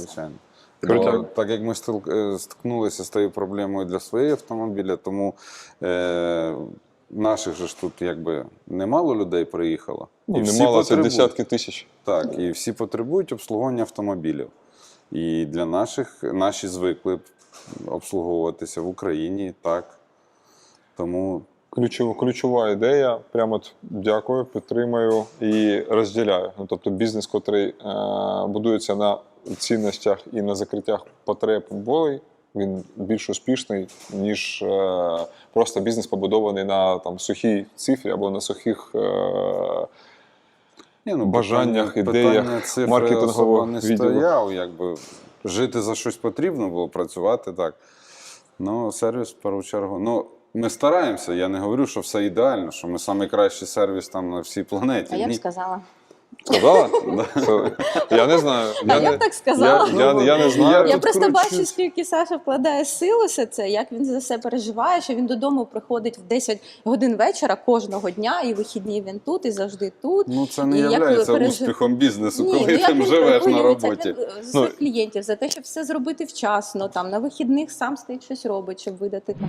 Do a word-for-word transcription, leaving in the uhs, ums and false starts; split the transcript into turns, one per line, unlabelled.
звичайно.
Круто.
Бо, так як ми стил- е, стикнулися з тією проблемою для своєї автомобіля, тому е, наших же ж тут якби немало людей приїхало.
Ну,
всі
немало, це
потребують.
десятки тисяч.
Так, і всі потребують обслуговування автомобілів. І для наших, наші звикли обслуговуватися в Україні, так. Тому
Ключова, ключова ідея. Прямо от дякую, підтримую і розділяю. Ну, тобто бізнес, котрий е, будується на цінностях і на закриттях потреб болей, він більш успішний, ніж е, просто бізнес побудований на там, сухій цифрі або на сухих е,
Ні, ну,
бажаннях,
питання,
ідеях
питання цифри
маркетингового
особо не
відділу.
стояв, якби жити за щось потрібно було, працювати так. Ну, сервіс, в першу чергу. Ну, ми стараємося, я не говорю, що все ідеально, що ми найкращий сервіс там на всій планеті.
А я б
Ні.
сказала.
Сказала? Це- Я не знаю.
А я
не-
б так сказала.
Я, я, я не знаю.
Я
Я
тут
просто
кручусь.
бачу, скільки Саша вкладає сил у все це, як він за все переживає, що він додому приходить в десять годин вечора кожного дня, і вихідні він тут, і завжди тут.
Ну, це не
І як
є
пережив-
успіхом бізнесу,
Ні,
коли
ну, як
ти
він
живеш на
хвилюється,
роботі.
як він за своїх клієнтів, за те, щоб все зробити вчасно, там, на вихідних сам стоїть щось робить, щоб видати там